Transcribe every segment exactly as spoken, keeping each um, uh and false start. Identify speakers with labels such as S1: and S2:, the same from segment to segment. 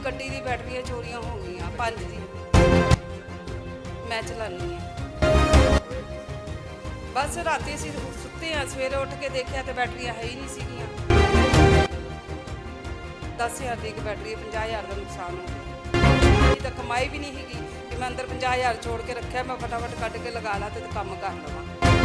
S1: ਗੱਡੀ ਦੀ ਬੈਟਰੀਆਂ ਚੋਰੀਆਂ ਹੋ ਗਈਆਂ ਪੰਜ ਦੀ। ਮੈਂ ਚਲਾਨੀ ਆ। ਬਸ ਰਾਤੀ ਅਸੀਂ ਸੁੱਤੇ ਆ, ਸਵੇਰੇ ਉੱਠ ਕੇ ਦੇਖਿਆ ਤੇ ਬੈਟਰੀਆਂ ਹੈ ਹੀ ਨਹੀਂ ਸੀਗੀਆਂ। ਦਸ ਹਜ਼ਾਰ ਦੀ ਇੱਕ ਬੈਟਰੀ, ਪੰਜਾਹ ਹਜ਼ਾਰ ਦਾ ਨੁਕਸਾਨ ਹੋ ਗਿਆ। ਇਹ ਤਾਂ ਕਮਾਈ ਵੀ ਨਹੀਂ ਹੈਗੀ ਕਿ ਮੈਂ ਅੰਦਰ ਪੰਜਾਹ ਹਜ਼ਾਰ ਛੋੜ ਕੇ ਰੱਖਿਆ, ਮੈਂ ਫਟਾਫਟ ਕੱਢ ਕੇ ਲਗਾ ਲਾ ਤੇ ਕੰਮ ਕਰ ਲਵਾਂ।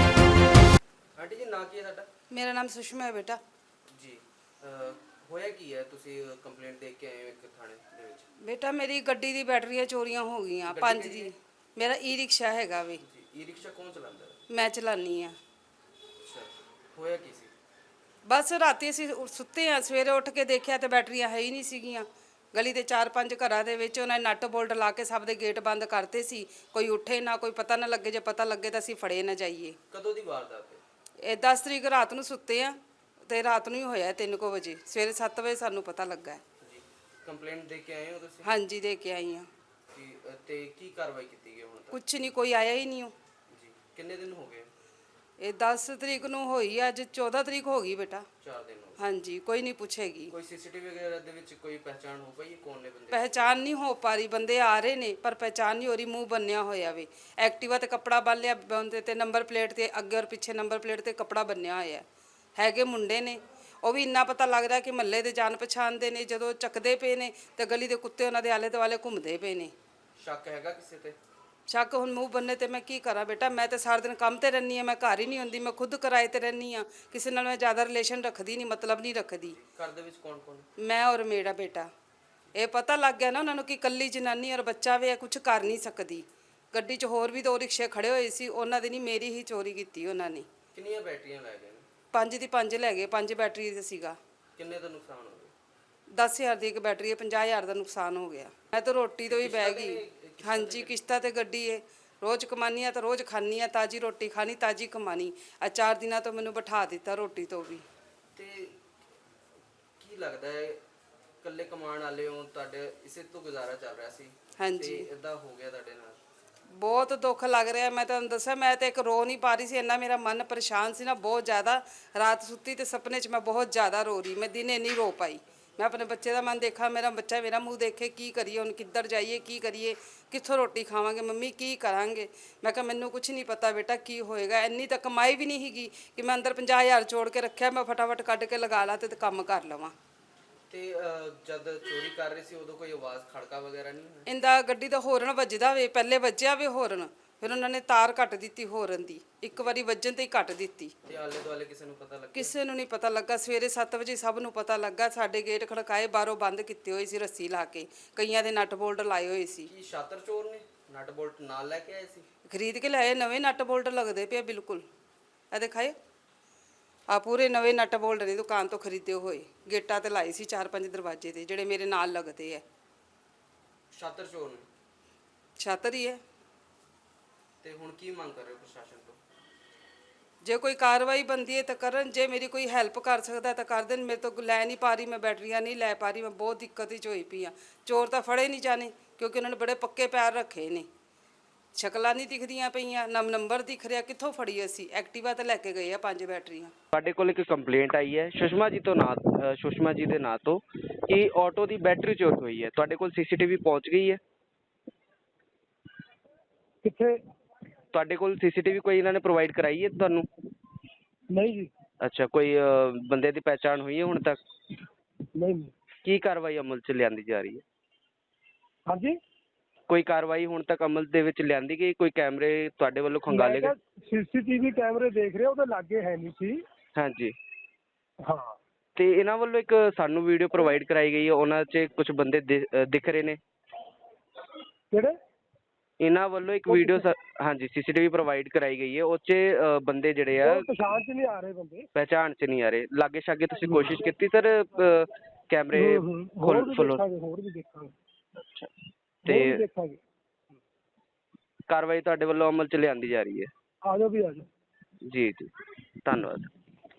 S2: ਆਂਟੀ ਜੀ, ਨਾਂ ਕੀ ਹੈ ਤੁਹਾਡਾ?
S1: ਮੇਰਾ ਨਾਮ ਸੁਸ਼ਮਾ ਹੈ ਬੇਟਾ
S2: ਜੀ। ਹੋਇਆ ਕੀ ਹੈ? ਤੁਸੀਂ ਕੰਪਲੇਂਟ ਦੇ ਕੇ ਆਏ ਹੋ ਇੱਕ ਥਾਣੇ ਦੇ ਵਿੱਚ।
S1: ਬੇਟਾ ਮੇਰੀ ਗੱਡੀ ਦੀ ਬੈਟਰੀਆਂ ਚੋਰੀਆਂ ਹੋ ਗਈਆਂ ਪੰਜ ਦੀ। ਮੇਰਾ ਈ ਰਿਕਸ਼ਾ ਹੈਗਾ ਵੇ।
S2: ਜੀ। ਈ ਰਿਕਸ਼ਾ ਕੌਣ ਚਲਾਉਂਦਾ ਹੈ?
S1: ਮੈਂ ਚਲਾਨੀ ਆ।
S2: ਅੱਛਾ, ਹੋਇਆ ਕੀ ਸੀ?
S1: ਬਸ ਰਾਤੀ ਅਸੀਂ ਸੁੱਤੇ ਆ, ਸਵੇਰੇ ਉੱਠ ਕੇ ਦੇਖਿਆ ਤੇ ਬੈਟਰੀਆਂ ਹੈ ਹੀ ਨਹੀਂ ਸੀਗੀਆਂ। ਗਲੀ ਦੇ ਚਾਰ ਪੰਜ ਘਰਾਂ ਦੇ ਵਿੱਚ ਉਹਨਾਂ ਨੇ ਨੱਟ ਬੋਲਟ ਲਾ ਕੇ ਸਭ ਦੇ ਗੇਟ ਬੰਦ ਕਰਤੇ ਸੀ। ਕੋਈ ਉੱਠੇ ਨਾ, ਕੋਈ ਪਤਾ ਨਾ ਲੱਗੇ। ਜੇ ਪਤਾ ਲੱਗੇ ਤਾਂ ਅਸੀਂ ਫੜੇ ਨਾ ਜਾਈਏ।
S2: ਕਦੋਂ ਦੀ ਵਾਰਦਾਤ ਹੈ
S1: ਇਹ ਦਸ ਤਰੀਕ ਰਾਤ ਨੂੰ ਸੁੱਤੇ ਆ ਤੇ ਰਾਤ ਨੂੰ ਹੀ ਹੋਇਆ ਤਿੰਨ ਕੁ ਵਜੇ। ਸਵੇਰੇ ਸੱਤ ਵਜੇ ਸਾਨੂੰ ਪਤਾ ਲੱਗਾ।
S2: ਜੀ। ਕੰਪਲੇਂਟ ਦੇ ਕੇ ਆਏ ਹੋ ਤੁਸੀਂ?
S1: ਹਾਂਜੀ, ਦੇ ਕੇ ਆਈ ਆ।
S2: ਜੀ। ਤੇ ਕੀ ਕਾਰਵਾਈ ਕੀਤੀ ਗਈ ਹੁਣ ਤੱਕ?
S1: ਕੁਛ ਨਹੀਂ, ਕੋਈ ਆਇਆ ਹੀ ਨਹੀਂ। ਉਹ
S2: ਜੀ। ਕਿੰਨੇ ਦਿਨ ਹੋ ਗਏ?
S1: ਇਹ ਦਸ ਤਰੀਕ ਨੂੰ ਹੋਈ, ਅੱਜ ਚੌਦਾਂ ਤਰੀਕ ਹੋ ਗਈ ਬੇਟਾ।
S2: ਚਾਰ ਦਿਨ ਹੋ ਗਏ।
S1: ਹਾਂਜੀ, ਕੋਈ ਨਹੀਂ ਪੁੱਛੇਗੀ।
S2: ਕੋਈ ਸੀਸੀਟੀਵੀ ਵਗੈਰਾ ਦੇ ਵਿੱਚ ਕੋਈ ਪਹਿਚਾਣ ਹੋ ਪਈ ਕੌਣ ਨੇ ਬੰਦੇ?
S1: ਪਹਿਚਾਨ ਨਹੀਂ ਹੋ ਪਾ ਰਹੀ। ਬੰਦੇ ਆ ਰਹੇ ਨੇ ਪਰ ਪਹਿਚਾਨ ਨਹੀਂ ਹੋ ਰਹੀ। ਮੂੰਹ ਬੰਨਿਆ ਹੋਇਆ ਵੇ। ਐਕਟਿਵਾ ਤੇ ਕੱਪੜਾ ਬੰਨ੍ਹਿਆ ਬੰਦੇ ਤੇ ਨੰਬਰ ਪਲੇਟ ਤੇ ਅੱਗੇ ਔਰ ਪਿੱਛੇ ਨੰਬਰ ਪਲੇਟ ਤੇ ਕੱਪੜਾ ਬੰਨਿਆ ਹੋਇਆ। ਹੈਗੇ ਮੁੰਡੇ ਨੇ, ਉਹ ਵੀ ਇੰਨਾ ਪਤਾ ਲੱਗਦਾ ਕਿ ਮਹੱਲੇ ਦੇ ਜਾਣ ਪਛਾਣ ਦੇ ਨੇ। ਜਦੋਂ ਚੱਕਦੇ ਪਏ ਨੇ ਤੇ ਗਲੀ ਦੇ ਕੁੱਤੇ ਉਹਨਾਂ ਦੇ ਆਲੇ ਦੁਆਲੇ ਘੁੰਮਦੇ ਪਏ ਨੇ।
S2: ਸ਼ੱਕ ਹੈਗਾ ਕਿਸੇ ਤੇ?
S1: ਸ਼ੱਕ ਹੁਣ ਮੂੰਹ ਬੰਨੇ ਤੇ ਮੈਂ ਕੀ ਕਰਾਂ ਬੇਟਾ। ਮੈਂ ਤਾਂ ਸਾਰਾ ਦਿਨ ਕੰਮ ਤੇ ਰਹਿੰਦੀ ਹਾਂ, ਮੈਂ ਘਰ ਹੀ ਨਹੀਂ ਹੁੰਦੀ। ਮੈਂ ਖੁਦ ਕਿਰਾਏ ਤੇ ਰਹਿੰਦੀ ਹਾਂ। ਕਿਸੇ ਨਾਲ ਮੈਂ ਜ਼ਿਆਦਾ ਰਿਲੇਸ਼ਨ ਰੱਖਦੀ ਨਹੀਂ, ਮਤਲਬ ਨਹੀਂ ਰੱਖਦੀ।
S2: ਘਰ ਦੇ ਵਿੱਚ ਕੌਣ ਕੌਣ?
S1: ਮੈਂ ਔਰ ਮੇਰਾ ਬੇਟਾ। ਇਹ ਪਤਾ ਲੱਗ ਗਿਆ ਨਾ ਉਹਨਾਂ ਨੂੰ ਕਿ ਇਕੱਲੀ ਜਨਾਨੀ ਔਰ ਬੱਚਾ ਵੀ ਕੁਝ ਕਰ ਨਹੀਂ ਸਕਦੀ। ਗੱਡੀ 'ਚ ਹੋਰ ਵੀ ਦੋ ਰਿਕਸ਼ੇ ਖੜੇ ਹੋਏ ਸੀ, ਉਹਨਾਂ ਦੀ ਨਹੀਂ ਮੇਰੀ ਹੀ ਚੋਰੀ ਕੀਤੀ ਉਹਨਾਂ ਨੇ।
S2: ਕਿੰਨੀਆਂ ਬੈਟਰੀਆਂ ਲੈ ਗਏ ਨੇ?
S1: ਪੰਜ ਦੀ ਪੰਜ ਲੈ ਗਏ। ਪੰਜ ਬੈਟਰੀ ਦਾ ਸੀਗਾ।
S2: ਕਿੰਨੇ ਦਾ ਨੁਕਸਾਨ ਹੋ ਗਿਆ?
S1: ਦਸ ਹਜ਼ਾਰ ਦੀ ਇੱਕ ਬੈਟਰੀ ਹੈ, ਪੰਜਾਹ ਹਜ਼ਾਰ ਦਾ ਨੁਕਸਾਨ ਹੋ ਗਿਆ। ਮੈਂ ਤਾਂ ਰੋਟੀ ਤੋਂ ਹੀ ਬਹਿ ਗਈ। ਹਾਂਜੀ, ਕਿਸ਼ਤਾਂ ਤੇ ਗੱਡੀ ਹੈ। ਰੋਜ਼ ਕਮਾਨੀ ਆ ਤਾਂ ਰੋਜ਼ ਖਾਣੀ ਆ। ਤਾਜ਼ੀ ਰੋਟੀ ਖਾਣੀ, ਤਾਜ਼ੀ ਕਮਾਣੀ। ਆ ਚਾਰ ਦਿਨਾਂ ਤੋਂ ਮੈਨੂੰ ਬਿਠਾ ਦਿੱਤਾ ਰੋਟੀ ਤੋਂ ਵੀ।
S2: ਤੇ ਕੀ ਲੱਗਦਾ ਹੈ, ਇਕੱਲੇ ਕਮਾਉਣ ਵਾਲੇ ਹੋ, ਤੁਹਾਡੇ ਇਸੇ ਤੋਂ ਗੁਜ਼ਾਰਾ ਚੱਲ ਰਿਹਾ ਸੀ?
S1: ਹਾਂਜੀ।
S2: ਤੇ ਇਦਾਂ ਹੋ ਗਿਆ ਤੁਹਾਡੇ ਨਾਲ? ਬਹੁਤ
S1: ਦੁੱਖ ਲੱਗ ਰਿਹਾ। ਮੈਂ ਤੁਹਾਨੂੰ ਦੱਸਿਆ, ਮੈਂ ਤਾਂ ਇੱਕ ਰੋ ਨਹੀਂ ਪਾ ਰਹੀ ਸੀ। ਇੰਨਾ ਮੇਰਾ ਮਨ ਪਰੇਸ਼ਾਨ ਸੀ ਨਾ, ਬਹੁਤ ਜ਼ਿਆਦਾ। ਰਾਤ ਸੁੱਤੀ ਤੇ ਸੁਪਨੇ 'ਚ ਮੈਂ ਬਹੁਤ ਜ਼ਿਆਦਾ ਰੋ ਰਹੀ। ਮੈਂ ਦਿਨੇ ਨਹੀਂ ਰੋ ਪਾਈ। ਮੈਂ ਆਪਣੇ ਬੱਚੇ ਦਾ ਮਨ ਦੇਖਾਂ, ਮੇਰਾ ਬੱਚਾ ਮੇਰਾ ਮੂੰਹ ਦੇਖੇ। ਕੀ ਕਰੀਏ ਹੁਣ, ਕਿੱਧਰ ਜਾਈਏ, ਕੀ ਕਰੀਏ, ਕਿੱਥੋਂ ਰੋਟੀ ਖਾਵਾਂਗੇ, ਮੰਮੀ ਕੀ ਕਰਾਂਗੇ। ਮੈਂ ਕਿਹਾ ਮੈਨੂੰ ਕੁਝ ਨਹੀਂ ਪਤਾ ਬੇਟਾ ਕੀ ਹੋਏਗਾ। ਇੰਨੀ ਤਾਂ ਕਮਾਈ ਵੀ ਨਹੀਂ ਹੈਗੀ ਕਿ ਮੈਂ ਅੰਦਰ ਪੰਜਾਹ ਹਜ਼ਾਰ ਛੋੜ ਕੇ ਰੱਖਿਆ, ਮੈਂ ਫਟਾਫਟ ਕੱਢ ਕੇ ਲਗਾ ਲਾ ਤੇ ਕੰਮ ਕਰ ਲਵਾਂ।
S2: ਤੇ ਜਦ ਚੋਰੀ ਕਰ ਰਹੇ ਸੀ ਉਦੋਂ ਕੋਈ ਆਵਾਜ਼ ਖੜਕਾ ਵਗੈਰਾ ਨਹੀਂ ਹੋਇਆ?
S1: ਇੰਦਾ ਗੱਡੀ ਦਾ ਹੋਰਨ ਵੱਜਦਾ ਵੇ। ਪਹਿਲੇ ਵੱਜਿਆ ਵੇ ਹੋਰਨ, ਫਿਰ ਉਹਨਾਂ ਨੇ ਤਾਰ ਕੱਟ ਦਿੱਤੀ ਹੋਰਨ ਦੀ। ਇੱਕ ਵਾਰੀ ਵੱਜਣ ਤੇ ਹੀ ਕੱਟ ਦਿੱਤੀ।
S2: ਤੇ ਆਲੇ ਦੁਆਲੇ ਕਿਸੇ ਨੂੰ ਪਤਾ ਲੱਗਿਆ?
S1: ਕਿਸੇ ਨੂੰ ਨਹੀਂ ਪਤਾ ਲੱਗਾ। ਸਵੇਰੇ ਸੱਤ ਵਜੇ ਸਭ ਨੂੰ ਪਤਾ ਲੱਗਾ। ਸਾਡੇ ਗੇਟ ਖੜਕਾਏ, ਬਾਹਰੋਂ ਬੰਦ ਕੀਤੇ ਹੋਏ ਸੀ ਰੱਸੀ ਲਾ ਕੇ। ਕਈਆਂ ਦੇ ਨਟ ਬੋਲਟ ਲਾਏ ਹੋਏ ਸੀ।
S2: ਕੀ ਸ਼ਾਤਰ ਚੋਰ ਨੇ ਨਟ ਬੋਲਟ ਨਾਲ ਲੈ ਕੇ ਆਏ ਸੀ?
S1: ਖਰੀਦ ਕੇ ਲਾਏ। ਨਵੇਂ ਨਟ ਬੋਲਟ ਲੱਗਦੇ ਪਏ ਬਿਲਕੁਲ। ਇਹ ਦਿਖਾਏ, ਆ ਪੂਰੇ ਨਵੇਂ ਨਟ ਬੋਲਟ ਨੇ ਦੁਕਾਨ ਤੋਂ ਖਰੀਦੇ ਹੋਏ। ਗੇਟਾਂ ਤੇ ਲਾਏ ਸੀ ਚਾਰ ਪੰਜ ਦਰਵਾਜ਼ੇ ਤੇ, ਜਿਹੜੇ ਮੇਰੇ ਨਾਲ ਲੱਗਦੇ ਆ।
S2: ਸ਼ਾਤਰ ਚੋਰ ਨੇ?
S1: ਛਾਤਰ ਹੀ ਹੈ।
S2: ਤੇ ਹੁਣ ਕੀ ਮੰਗ ਕਰ ਰਹੇ ਹੋ ਪ੍ਰਸ਼ਾਸਨ ਤੋਂ?
S1: ਜੇ ਕੋਈ ਕਾਰਵਾਈ ਬਣਦੀ ਹੈ ਤਾਂ ਕਰਨ। ਜੇ ਮੇਰੀ ਕੋਈ ਹੈਲਪ ਕਰ ਸਕਦਾ ਤਾਂ ਕਰ ਦੇਣ। ਮੇਰੇ ਤੋਂ ਲੈ ਨਹੀਂ ਪਾ ਰਹੀ, ਮੈਂ ਬੈਟਰੀਆਂ ਨਹੀਂ ਲੈ ਪਾ ਰਹੀ। ਮੈਂ ਬਹੁਤ ਦਿੱਕਤ ਵਿੱਚ ਹੋਈ ਪਈ ਹਾਂ। ਚੋਰ ਤਾਂ ਫੜੇ ਨਹੀਂ ਜਾਣੇ ਕਿਉਂਕਿ ਉਹਨਾਂ ਨੇ ਬੜੇ ਪੱਕੇ ਪੈਰ ਰੱਖੇ ਨੇ। ਸ਼ਕਲਾਂ ਨਹੀਂ ਦਿਖਦੀਆਂ ਪਈਆਂ, ਨਾ ਨੰਬਰ ਦਿਖ ਰਿਹਾ। ਕਿੱਥੋਂ ਫੜੀ ਅਸੀਂ? ਐਕਟਿਵਾ ਤੇ ਲੈ ਕੇ ਗਏ ਆ ਪੰਜ ਬੈਟਰੀਆਂ।
S2: ਸਾਡੇ ਕੋਲ ਇੱਕ ਕੰਪਲੇਂਟ ਆਈ ਹੈ ਸੁਸ਼ਮਾ ਜੀ ਤੋਂ ਨਾਂ ਸੁਸ਼ਮਾ ਜੀ ਦੇ ਨਾਂ ਤੋਂ ਕਿ ਆਟੋ ਦੀ ਬੈਟਰੀ ਚੋਰੀ ਹੋਈ ਹੈ। ਤੁਹਾਡੇ ਕੋਲ ਸੀਸੀਟੀਵੀ ਪਹੁੰਚ ਗਈ ਹੈ?
S3: ਕਿੱਥੇ?
S2: ਤੁਹਾਡੇ ਕੋਲ ਸੀਸੀਟੀਵੀ ਕੋਈ ਇਹਨਾਂ ਨੇ ਪ੍ਰੋਵਾਈਡ ਕਰਾਈ ਹੈ ਤੁਹਾਨੂੰ?
S3: ਨਹੀਂ ਜੀ।
S2: ਅੱਛਾ, ਕੋਈ ਬੰਦੇ ਦੀ ਪਹਿਚਾਣ ਹੋਈ ਹੈ ਹੁਣ ਤੱਕ?
S3: ਨਹੀਂ।
S2: ਕੀ ਕਾਰਵਾਈ ਅਮਲ 'ਚ ਲਿਆਂਦੀ ਜਾ ਰਹੀ ਹੈ?
S3: ਹਾਂਜੀ,
S2: ਕੋਈ ਕਾਰਵਾਈ ਹੁਣ ਤੱਕ ਅਮਲ ਦੇ ਵਿੱਚ ਲਿਆਂਦੀ ਗਈ? ਕੋਈ ਕੈਮਰੇ ਤੁਹਾਡੇ ਵੱਲੋਂ ਖੰਗਾਲੇ ਗਏ?
S3: ਸੀਸੀਟੀਵੀ ਕੈਮਰੇ ਦੇਖ ਰਹੇ, ਉਹਦੇ ਲਾਗੇ ਹੈ ਨਹੀਂ ਸੀ।
S2: ਹਾਂਜੀ।
S3: ਹਾਂ।
S2: ਤੇ ਇਹਨਾਂ ਵੱਲੋਂ ਇੱਕ ਸਾਨੂੰ ਵੀਡੀਓ ਪ੍ਰੋਵਾਈਡ ਕਰਾਈ ਗਈ ਹੈ, ਉਹਨਾਂ 'ਚ ਕੁਝ ਬੰਦੇ ਦਿਖ ਰਹੇ ਨੇ।
S3: ਕਿਹੜੇ?
S2: ਇਹਨਾਂ ਵੱਲੋਂ ਇੱਕ ਵੀਡੀਓ ਹਾਂਜੀ ਸੀਸੀਟੀਵੀ ਪ੍ਰੋਵਾਈਡ ਕਰਾਈ ਗਈ ਹੈ, ਉਹ 'ਚ ਬੰਦੇ ਜਿਹੜੇ ਆ
S3: ਪਛਾਣ 'ਚ ਨਹੀਂ ਆ ਰਹੇ ਬੰਦੇ।
S2: ਪਹਿਚਾਣ 'ਚ ਨਹੀਂ ਆ ਰਹੇ। ਲਾਗੇ ਛਾਗੇ ਤੁਸੀਂ ਕੋਸ਼ਿਸ਼ ਕੀਤੀ ਸਰ ਕੈਮਰੇ ਖੋਲ੍ਹੋ?
S3: ਹੋਰ ਵੀ ਦੇਖਾਂਗੇ।
S2: ਅੱਛਾ, ਤੇ ਕਾਰਵਾਈ ਤੁਹਾਡੇ ਵੱਲੋਂ ਅਮਲ 'ਚ ਲਿਆਂਦੀ ਜਾ ਰਹੀ ਹੈ?
S3: ਆ ਜਾਓ ਵੀ ਆ ਜਾਓ।
S2: ਜੀ ਜੀ, ਧੰਨਵਾਦ।